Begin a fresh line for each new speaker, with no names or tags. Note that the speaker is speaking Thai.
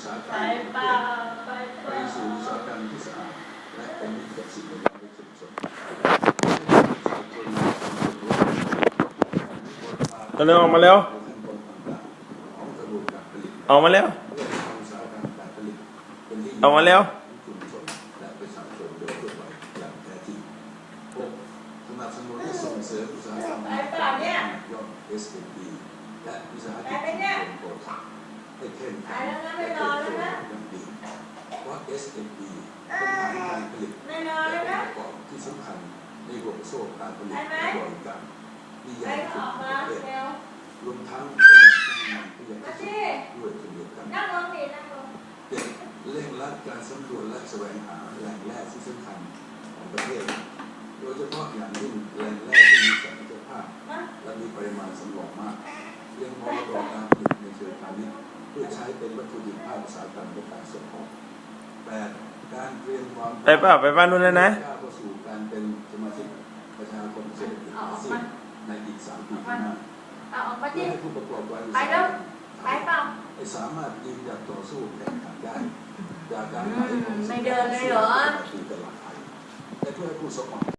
าหกรร
ไป
ม
เปล่าไปเป
ไป
ล่า
สู่อุตสาหกรรมที่สะอาดและเป็นมิตรกับสิ่งแวดล้อมในชุมชน
ตอนนี้ออกมาแล้วออกมาแล้วออกมาแล้ว
สนับสนุนและส่งเสริมอุตสาหกรรมยอด SME และวิสาหกิจชุมชนโปรตักให้เข้มแข็งและเติบโตอย่างดีเพราะ SME เป็นฐานการผลิตและองค์ประกอบที่สำคัญในห่วงโซ่การผลิตและบริการที่ใหญ่ที่สุดในประเทศรวมทั้งเป็นแหล่งที่ใหญ่ที่สุดด้วยเช่นเดียวกันเด็กเร่งรัดการสำรวจและแสวงหาแหล่งแร่ที่สำคัญของประเทศโดยเฉพาะอย่างยิ่งแหล่งแร่ที่มีศักยภาพและมีปริมาณสำรองมากเพียงพอต่อการผลิตในเชิงพาณิชย์เพื่อใช้เป็นวัตถุดิบภาคอุตสาหกรรมในการส่งออก8การเตรียมความ
ไปเปล่าไปบ้านนู้นแล้วนะ
ก้าวเข้าสู่การเป็นสมาชิกประชาคมเศรษฐกิจอาเซียนในอีก3 ปีข้างหน้าเพื่อให้ผู้ประกอบการอุตสาหกรรมให้สามารถยืนหยัดต่อสู้แข่งขันได้จากการขายของสินค้าที่ตลาดไทยและเพื่อให้ผู้ส่งออก